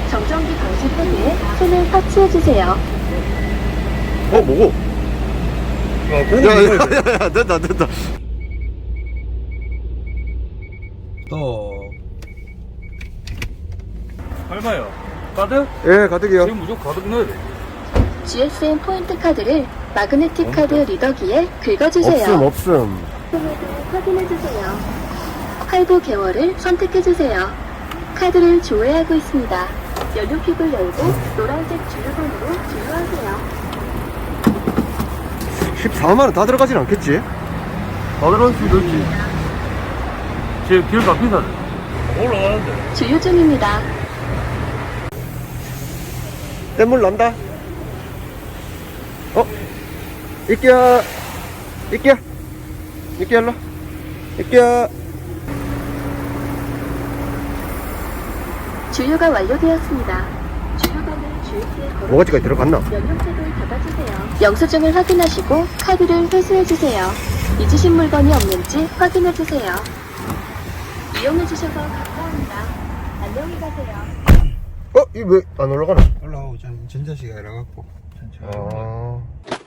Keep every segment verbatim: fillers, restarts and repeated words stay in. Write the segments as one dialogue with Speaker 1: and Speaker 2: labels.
Speaker 1: 정전기 방지 패드에 손을 터치해주세요.
Speaker 2: 어, 뭐고?
Speaker 3: 아, 공기
Speaker 2: 야, 야,
Speaker 3: 이거
Speaker 2: 야, 야, 됐다, 됐다.
Speaker 3: 또 얼마요? 가득?
Speaker 2: 예, 가득이요.
Speaker 3: 지금 무조건 가득 넣어야 돼.
Speaker 1: 지에스엠 포인트 카드를 마그네틱 카드 리더기에 긁어주세요.
Speaker 2: 없음, 없음.
Speaker 1: 금액을 확인해주세요. 할부 개월을 선택해주세요. 카드를 조회하고 있습니다. 연료킥을 열고 노란색 주유번호로 주유하세요.
Speaker 2: 십사만 원 다 들어가진 않겠지?
Speaker 3: 다 들어갈 수 있지. 제 길가 비싸네. 올라가는데.
Speaker 1: 주유 중입니다.
Speaker 2: 뗏물 난다. 어? 이끼야. 이끼야. 이끼야, 일로. 이끼야.
Speaker 1: 주유가 완료되었습니다. 주유관을 주유기에 걸어
Speaker 2: 뭐가지까지 들어갔나?
Speaker 1: 연료책을 닫아주세요. 영수증을 확인하시고 카드를 회수해주세요. 잊으신 물건이 없는지 확인해주세요. 이용해주셔서 감사합니다. 안녕히 가세요.
Speaker 2: 어? 이 왜 안 올라가나?
Speaker 4: 올라오고 전 전자식이 이래갖고
Speaker 2: 아.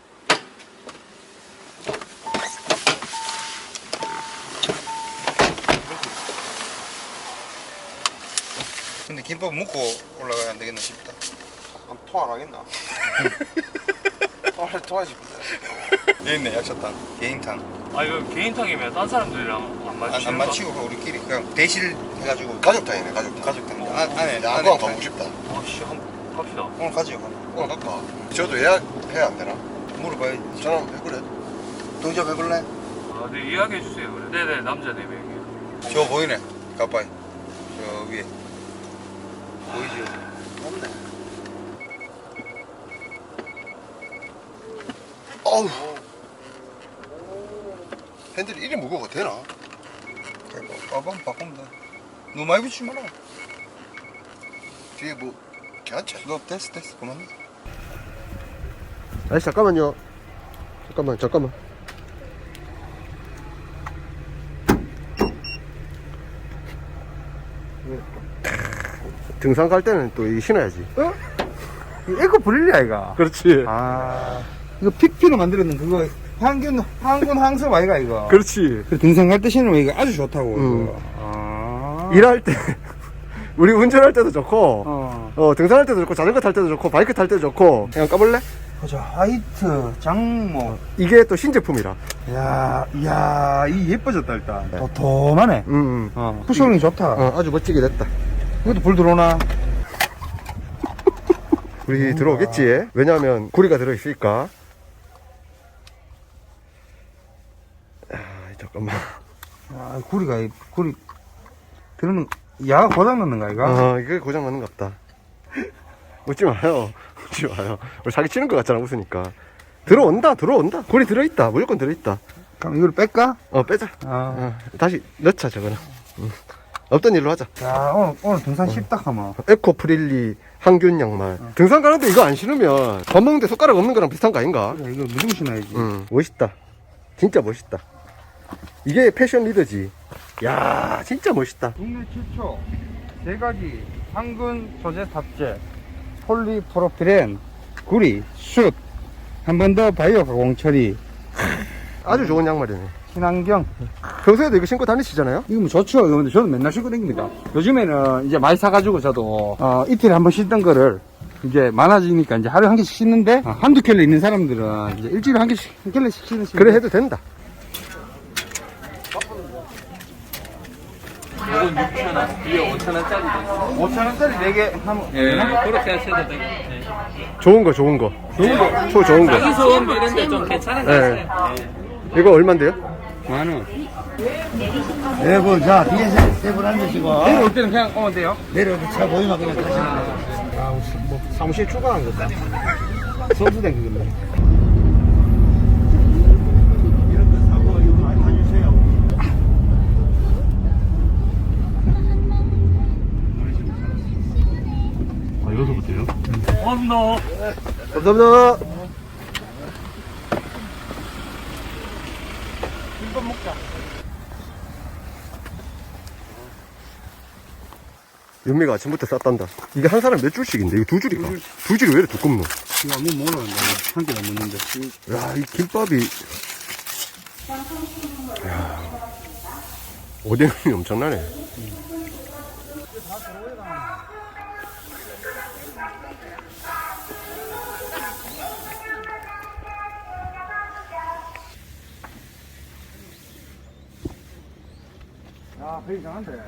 Speaker 5: 근데 김밥 먹고 올라가야 안 되겠나 싶다.
Speaker 4: 토안 하겠나? 토할 토하지
Speaker 5: 여기 있네, 약사탕, 개인탕.
Speaker 3: 아 이거 개인탕이면 딴 사람들이랑 안
Speaker 5: 안,
Speaker 3: 맞추는
Speaker 5: 안 맞히고 우리끼리 그냥 대실 해가지고
Speaker 4: 가족탕이네 가족탕.
Speaker 5: 가족탕. 아, 안에
Speaker 4: 나
Speaker 5: 안에
Speaker 4: 한번 가보고 싶다.
Speaker 3: 아씨 한번 갑시다.
Speaker 5: 오늘 가지요.
Speaker 4: 오늘 갈까? 저도 예약해야 안 되나?
Speaker 5: 물어봐야지.
Speaker 4: 전화 한번 해보래.
Speaker 5: 동접 해볼래?
Speaker 3: 아, 네 이야기해 주세요. 그래. 네네 남자 네 명이요.
Speaker 5: 저 보이네. 가빠이. 저 위에. 보이죠?
Speaker 4: 없네. 어우. 핸들이 이리 무거워 되나?
Speaker 5: 빠밤 바꾸면 돼. 너무 많이 붙이지 마라.
Speaker 4: 뒤에 뭐 괜찮지?
Speaker 5: 너 됐어 됐어 그만.
Speaker 2: 아저씨, 잠깐만요. 잠깐만, 잠깐만. 등산 갈 때는 또 이 신어야지.
Speaker 6: 어? 에코 브릴리야 이거.
Speaker 2: 그렇지.
Speaker 6: 아 이거 픽피로 만들었는 그거 항균 항균 항섭 아이가 이거.
Speaker 2: 그렇지.
Speaker 6: 그 등산 갈 때 신으면 이거 아주 좋다고.
Speaker 2: 음.
Speaker 6: 이거. 아.
Speaker 2: 일할 때, 우리 운전할 때도 좋고,
Speaker 6: 어.
Speaker 2: 어, 등산할 때도 좋고, 자전거 탈 때도 좋고, 바이크 탈 때도 좋고. 그냥 까볼래?
Speaker 6: 보자 화이트 장모.
Speaker 2: 이게 또 신제품이라.
Speaker 6: 야, 야, 이 예뻐졌다 일단. 도톰하네.
Speaker 2: 음, 음.
Speaker 6: 어. 쿠션이 좋다.
Speaker 2: 어, 아주 멋지게 됐다.
Speaker 6: 이것도 불 들어오나?
Speaker 2: 우리 들어오겠지? 왜냐하면 구리가 들어있으니까. 아, 잠깐만.
Speaker 6: 아, 구리가 이- 구리 들으면 야가 고장 났는가 이거?
Speaker 2: 아, 이게 고장 나는 것 같다. 웃지 마요. 웃지 마요. 우리 사기 치는 것 같잖아, 웃으니까. 들어온다, 들어온다. 구리 들어있다. 무조건 들어있다.
Speaker 6: 그럼 이걸 뺄까?
Speaker 2: 어, 빼자.
Speaker 6: 아.
Speaker 2: 어, 다시 넣자, 저거는. 응. 없던 일로 하자.
Speaker 6: 야, 오늘 오늘 등산 쉽다 하면.
Speaker 2: 에코 프릴리 항균 양말. 등산 가는데 이거 안 신으면 밥 먹는데 손가락 없는 거랑 비슷한 거 아닌가?
Speaker 6: 그래, 이거 무조건 신어야지.
Speaker 2: 응, 멋있다. 진짜 멋있다. 이게 패션 리더지. 야, 진짜 멋있다.
Speaker 6: 국내 최초 세 가지 항균 소재 탑재 폴리프로필렌 구리 숯 한 번 더 바이오 가공 처리
Speaker 2: 아주 좋은 양말이네.
Speaker 6: 친환경.
Speaker 2: 평소에도 이거 신고 다니시잖아요?
Speaker 6: 이거 뭐 좋죠. 이거 근데 저는 맨날 신고 다닙니다. 요즘에는 이제 많이 사가지고 저도 어, 이틀에 한 번 신던 거를 이제 많아지니까 이제 하루에 한 개씩 신는데 어, 한두 켤레 있는 사람들은 이제 일주일에 한 개씩 한 켤레씩 신는
Speaker 2: 그래 해도 된다.
Speaker 3: 이건 육천 원, 이게 오천 원짜리.
Speaker 6: 오천 원짜리 네 개 하면
Speaker 3: 예, 그렇게 하셔도 되고. 네.
Speaker 2: 좋은 거, 좋은 거. 좋은 거. 초 좋은 거.
Speaker 3: 자기 소원 이런데 좀 괜찮은 거
Speaker 2: 네.
Speaker 3: 같아요.
Speaker 2: 이거 얼만데요?
Speaker 6: 만 원.
Speaker 4: 네 분, 자 뒤에 세분 앉으시고
Speaker 6: 내려올 때는 그냥 오면 돼요.
Speaker 4: 내려오면 차 보이면 그냥 타시면 돼요.
Speaker 6: 아, 뭐 사무실 출근한 거다. 선수된 그건데.
Speaker 4: 이런 거 사고 이거 많이 타주세요.
Speaker 3: 아, 여기서부터요? 언더.
Speaker 2: 감사합니다. 윤미가 아침부터 쌌단다. 이게 한 사람 몇 줄씩인데? 이거 두 줄이가? 두 줄이 왜 이렇게 두껍노?
Speaker 6: 이거 한번 먹으러 간다. 한 끼도 안 먹는데.
Speaker 2: 야, 이 김밥이. 야, 오뎅이 엄청나네.
Speaker 6: 야, 배 이상한데.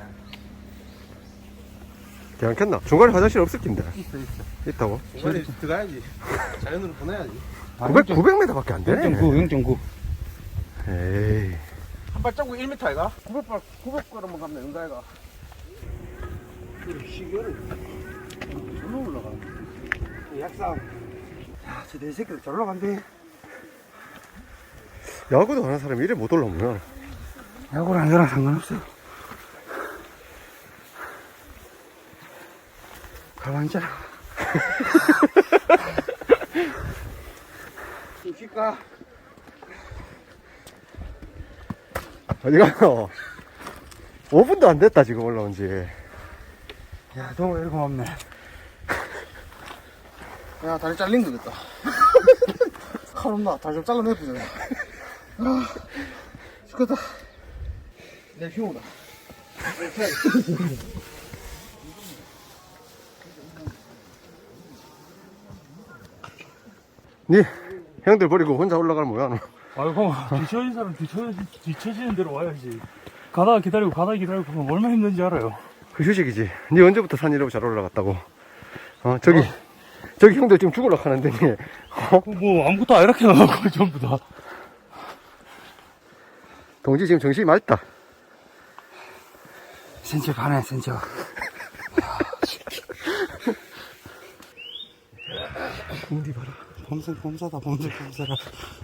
Speaker 2: 괜찮겠나? 중간에 화장실 없을 낀데.
Speaker 6: 있어, 있어.
Speaker 2: 있다고?
Speaker 6: 중간에 들어가야지. 자연으로 보내야지.
Speaker 2: 구백, 구백 미터밖에 안 되네.
Speaker 6: 영 점 구, 영 점 구.
Speaker 2: 에이.
Speaker 6: 한 발자국 일 미터 아이가? 구백 발, 구백 걸음만 가면 되는 거 아이가? 시계를 절로 올라가는 거. 약상. 야, 저 내 새끼들 절로 간대.
Speaker 2: 야구도 하는 사람이 이래 못 올라오면.
Speaker 6: 야구랑 안 저랑 상관없어. 가만히 있잖아. 좀 쉴까?
Speaker 2: 어디 가요? 오 분도 안 됐다, 지금 올라온 지.
Speaker 6: 야, 너무 이렇게 고맙네. 야, 다리 잘린 거겠다. 칼 없나? 다리 좀 잘라내보자. 아, 죽겠다. 내 흉오다.
Speaker 2: 니, 형들 버리고 혼자 올라가면 뭐야, 너?
Speaker 3: 아이고, 뒤처진 사람 뒤처, 뒤처지는 대로 와야지. 가다가 기다리고, 가다가 기다리고, 그러면 얼마나 힘든지 알아요.
Speaker 2: 그 휴식이지. 니 언제부터 산 이러고 잘 올라갔다고? 어, 저기, 저기 형들 지금 죽으려고 하는데, 니, 어?
Speaker 3: 뭐, 아무것도 안 이렇게 나가고, 전부 다.
Speaker 2: 동지 지금 정신이 맑다.
Speaker 6: 센쳐 가네, 센쳐.
Speaker 2: 공디 봐라.
Speaker 6: 범사, 범사다, 범사, 범사라.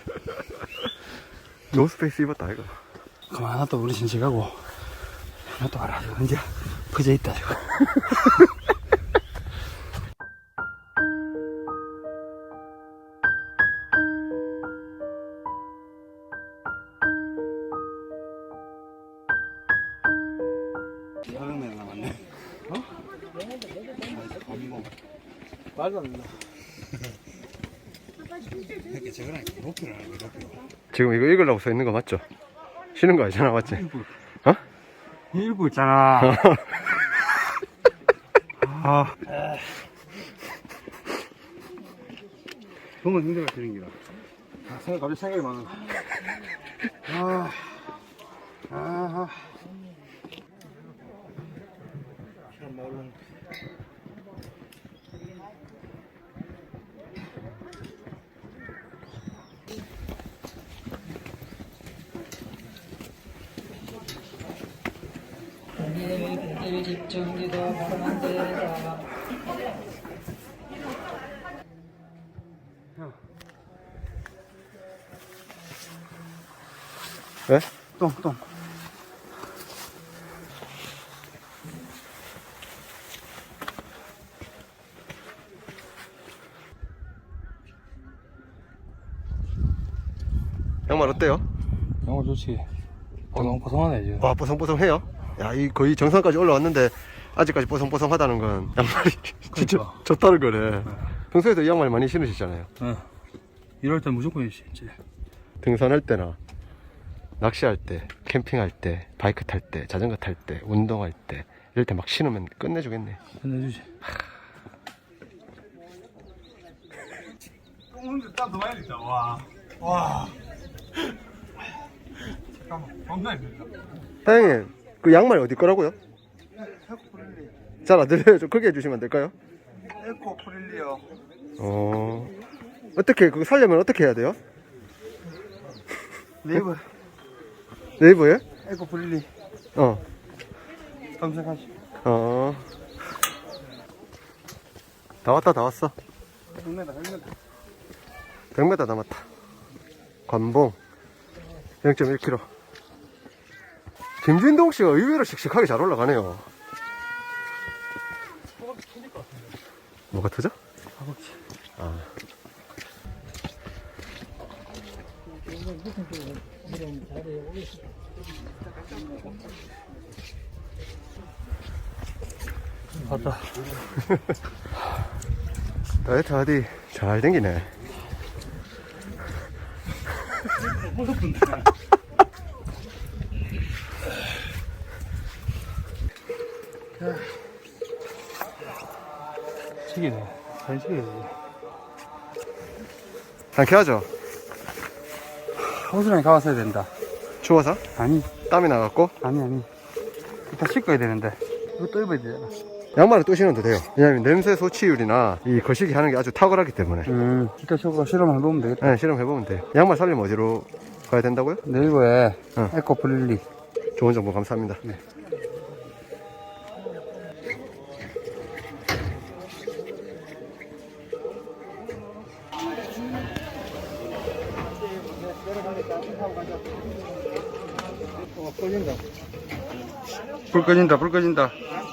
Speaker 2: 노스페이스 입었다, 이거.
Speaker 6: 그만, 하나 또 우리 센쳐 가고. 하나 또 알아. 이제, 퍼져 있다, 지금. 사백 명 남았네. 어? 말도 안 된다. 이렇게 저거랑 로피를 하는 거야, 로피.
Speaker 2: 지금 이거 읽으려고 써 있는 거 맞죠? 쉬는 거 아니잖아, 맞지? 어?
Speaker 6: 읽고 있잖아. 아. 보면 힘들어 되는 기라. 아, 생각, 갑자기 생각이 많아. 아. 아.
Speaker 7: 일 집중기도 바라는데다.
Speaker 2: 왜?
Speaker 6: 똥, 똥.
Speaker 2: 양말 어때요?
Speaker 3: 영어 좋지. 뽀송뽀송하네, 지금.
Speaker 2: 와, 뽀송뽀송해요? 야, 이 거의 정상까지 올라왔는데, 아직까지 뽀송뽀송하다는 건 양말이 진짜
Speaker 3: 그러니까.
Speaker 2: 좋다는 거네. 평소에도 이 양말 많이 신으시잖아요.
Speaker 3: 응. 이럴 땐 무조건 있지.
Speaker 2: 등산할 때나, 낚시할 때, 캠핑할 때, 바이크 탈 때, 자전거 탈 때, 운동할 때, 이럴 때 막 신으면 끝내주겠네.
Speaker 3: 끝내주지.
Speaker 6: 똥 땀도 많이 흘리다, 와. 와. 잠깐만, 겁나 힘들다.
Speaker 2: 사장님, 그 양말 어디 거라고요?
Speaker 6: 에코 프릴리.
Speaker 2: 잘 안 들려요. 좀 크게 해주시면 안 될까요?
Speaker 6: 에코 프릴리요.
Speaker 2: 어, 어떻게, 그거 살려면 어떻게 해야 돼요?
Speaker 6: 네이버
Speaker 2: 네이버에?
Speaker 6: 에코 프릴리
Speaker 2: 어,
Speaker 6: 검색하시.
Speaker 2: 어. 다 왔다, 다 왔어.
Speaker 6: 백 미터, 백 미터.
Speaker 2: 백 미터 남았다. 관봉. 영 점 일 킬로미터. 김진동 씨가 의외로 씩씩하게 잘 올라가네요. 뭐가 터져?
Speaker 6: 허벅지.
Speaker 2: 아.
Speaker 3: 갔다.
Speaker 2: 다이어트 하디 잘 댕기네.
Speaker 3: 책이네. 사진 찍어야 돼.
Speaker 2: 한개 하죠.
Speaker 6: 호수랑에 가봤어야 된다.
Speaker 2: 추워서?
Speaker 6: 아니,
Speaker 2: 땀이 나갖고?
Speaker 6: 아니, 아니. 이따 씻어야 되는데. 이것도 입어야 되잖아.
Speaker 2: 양말을 또 신어도 돼요. 왜냐면 냄새 소치율이나 이 거시기 하는 게 아주 탁월하기 때문에.
Speaker 6: 음, 이따 저거 실험을 해보면 되겠다.
Speaker 2: 네, 실험해보면 돼요. 양말 살려면 어디로 가야 된다고요?
Speaker 6: 네이버에
Speaker 2: 어.
Speaker 6: 에코 플릴리.
Speaker 2: 좋은 정보 감사합니다.
Speaker 6: 네. 불 꺼진다, 불 꺼진다.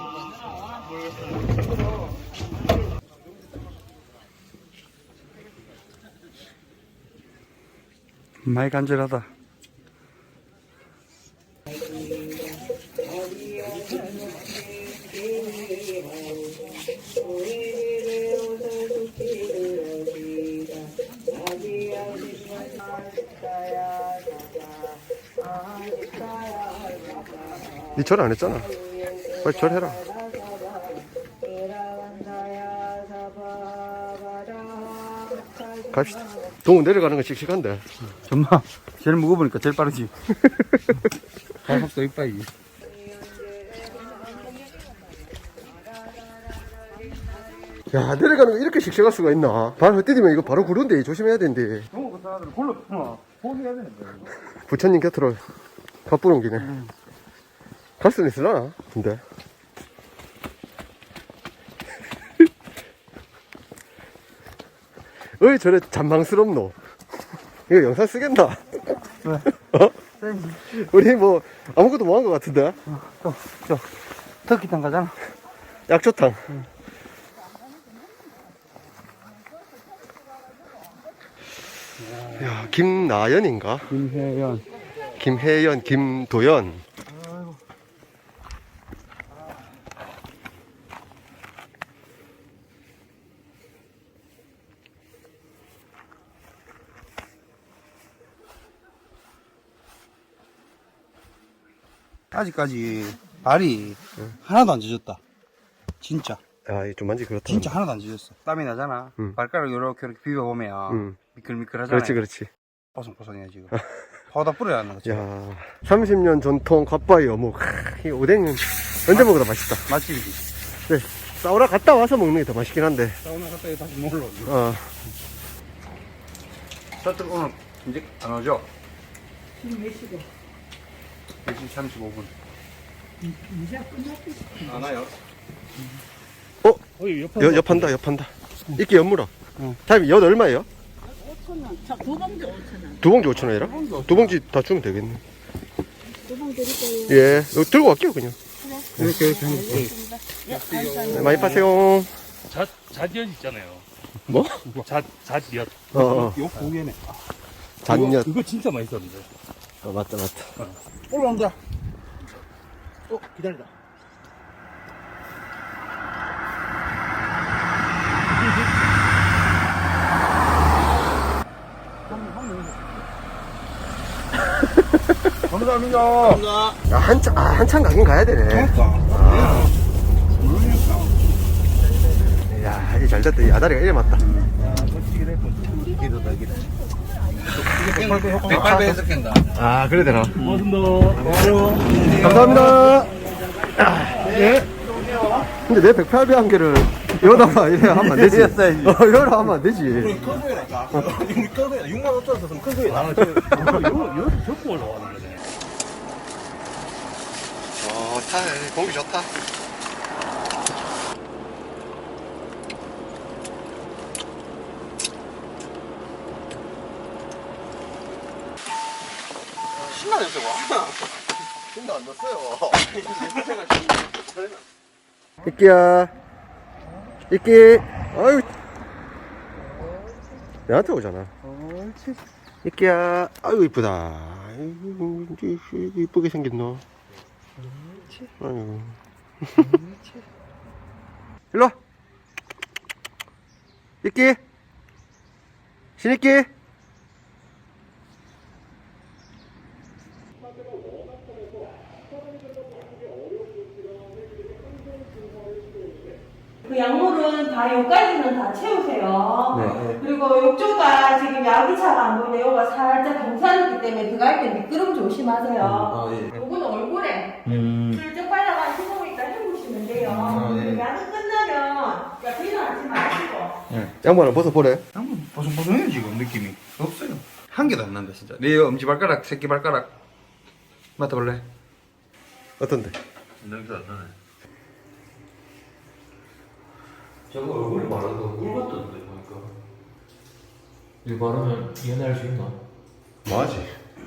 Speaker 6: 많이 간절하다.
Speaker 2: 니 절 안 했잖아. 빨리 절해라. 갑시다. 동호 내려가는 건 씩씩한데.
Speaker 6: 정말 제일 무거우니까 제일 빠르지. 발속도 이빠이.
Speaker 2: 야, 내려가는 거 이렇게 씩씩할 수가 있나? 발 헛디디면 이거 바로 구른데 조심해야 된대.
Speaker 6: 너무 그 사람들 골랐구나. 포기해야 되는데.
Speaker 2: 부처님 곁으로 바쁘는 기네. 갈 수는 있으려나? 근데. 왜 저래 잔망스럽노? 이거 영상 쓰겠나?
Speaker 6: 왜?
Speaker 2: 어? 우리 뭐 아무것도 못 한 것 같은데?
Speaker 6: 또, 저, 터키탕 가잖아.
Speaker 2: 약초탕. 야, 김나연인가?
Speaker 6: 김혜연.
Speaker 2: 김혜연, 김도연.
Speaker 4: 아직까지 발이 하나도 안 젖었다. 진짜.
Speaker 2: 야, 이좀 만지 그렇다.
Speaker 4: 진짜 하나도 안 젖었어.
Speaker 6: 땀이 나잖아.
Speaker 2: 음.
Speaker 6: 발가락 이렇게 이렇게 비벼보면
Speaker 2: 음.
Speaker 6: 미끌미끌하잖아.
Speaker 2: 그렇지, 그렇지.
Speaker 4: 뽀송뽀송해 지금. 파우더 뿌려야 하는 거지.
Speaker 2: 야, 삼십 년 전통 갓바위 어묵. 크, 이 오뎅은 언제 먹어도 맛있다.
Speaker 6: 맛집이지.
Speaker 2: 네, 사우나 갔다 와서 먹는 게 더 맛있긴 한데.
Speaker 6: 사우나 갔다 다시 먹으러.
Speaker 2: 어,
Speaker 6: 셔틀 오늘 이제 안 오죠? 지금 몇 시고? 네 시 삼십오 분. 이제 끝났지? 안 와요.
Speaker 2: 어,
Speaker 3: 어이, 옆에
Speaker 2: 여, 엽한다, 엽한다. 이렇게 엿물어.
Speaker 6: 응.
Speaker 2: 타임 엿 얼마예요?
Speaker 8: 오천 원. 자, 두 봉지 오천 원.
Speaker 2: 두 봉지 오천 원이라? 두 봉지 다 주면 되겠네.
Speaker 8: 두 봉지 드릴게요.
Speaker 2: 예, 이거 들고 갈게요, 그냥.
Speaker 6: 이렇게 이렇게 하면 돼.
Speaker 8: 예, 감사합니다.
Speaker 2: 네, 많이 파세요.
Speaker 3: 잣, 잣엿 있잖아요.
Speaker 2: 뭐?
Speaker 3: 잣, 잣엿.
Speaker 2: 어, 어.
Speaker 6: 요 고개네.
Speaker 2: 잔엿.
Speaker 3: 이거 진짜 맛있었는데.
Speaker 2: 어, 맞다, 맞다.
Speaker 4: 올라온다. 어, 기다리다.
Speaker 6: 감사합니다.
Speaker 2: 야, 한참, 아, 한참 가긴 가야 되네. 야, 이게 잘 됐다. 이 아다리가 이래 맞다.
Speaker 4: 백팔 배에서 깬다.
Speaker 2: 아, 그래 되나?
Speaker 3: 고맙습니다.
Speaker 2: 감사합니다. 예. 근데 내 백팔 배 한 개를 여기다가 이래 하면 안 되지. 어, 여기다 하면 안 되지.
Speaker 4: 큰 소리라니까. 우리 큰 소리다. 육만 오천 썼으면 큰 소리 나는
Speaker 3: 여기 접고 올라왔는데.
Speaker 2: 좋다. 공기 좋다. 신나 냄새 와. 신나 안 났어요. 이끼야. 이끼. 아유. 내한테 오잖아. 이끼야. 아유, 이쁘다. 아이고, 이쁘게 생겼노. 아이고. 찍기? 신입기?
Speaker 9: 그 약물은 다 여기까지는 다 채우세요.
Speaker 2: 네.
Speaker 9: 그리고 욕조가 지금 야기차가 안 보이는데 여기가 살짝 경사있기 때문에 들어갈 때 미끄럼 조심하세요.
Speaker 2: 아, 예.
Speaker 9: 요거는 얼굴에
Speaker 2: 음.
Speaker 9: 슬쩍 발라가 구멍 있다 해보시면 돼요.
Speaker 2: 아, 예.
Speaker 9: 약이 끝나면 야 비난하지 마시고.
Speaker 2: 양말을 벗어보래.
Speaker 6: 한번 보송보송해요 지금 느낌이 없어요. 한 개도 안 난다 진짜. 내 엄지 발가락, 새끼 발가락 맡아볼래?
Speaker 2: 어떤데?
Speaker 3: 냄새 안 나네.
Speaker 10: 저거 얼굴에 바르도 꿀같던데 보니까. 이거 바르면 연애할 수 있나?
Speaker 2: 뭐하지?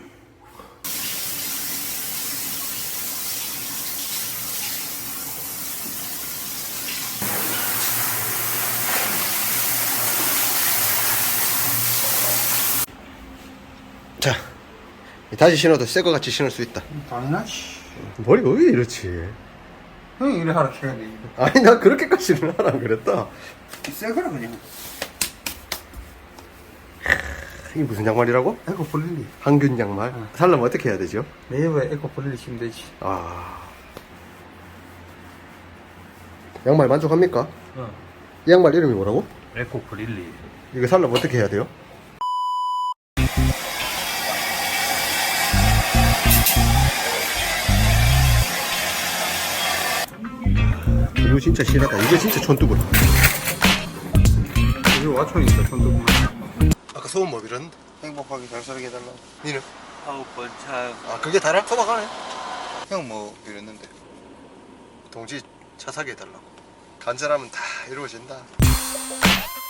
Speaker 2: 자, 다시 신어도 새 거 같이 신을 수 있다.
Speaker 6: 당연하지.
Speaker 2: 머리가 왜 이렇지?
Speaker 6: 형이 이래 하라 해야지.
Speaker 2: 아니, 나 그렇게까지는 하라 안 그랬다.
Speaker 6: 새거라 그냥.
Speaker 2: 이게 무슨 양말이라고?
Speaker 6: 에코 플릴리.
Speaker 2: 항균 양말. 살려면 어떻게 해야 되죠?
Speaker 6: 네이버에 에코 플릴리 치면 되지.
Speaker 2: 아, 양말 만족합니까?
Speaker 3: 어.
Speaker 2: 이 양말 이름이 뭐라고?
Speaker 3: 에코 브릴리.
Speaker 2: 이거 살려면 어떻게 해야 돼요? 이거 진짜 실하다. 이게 진짜 촌뚜구라.
Speaker 6: 이거 와촌이니까 손도구만.
Speaker 2: 아까 소원 뭐 빌었는데?
Speaker 5: 행복하게 잘 살게 해달라고.
Speaker 2: 니는?
Speaker 5: 아홉 번 차.
Speaker 2: 아, 그게 다라? 소박하네.
Speaker 5: 형 뭐 이랬는데.
Speaker 2: 동지 차 사게 해달라고. 간절하면 다 이루어진다.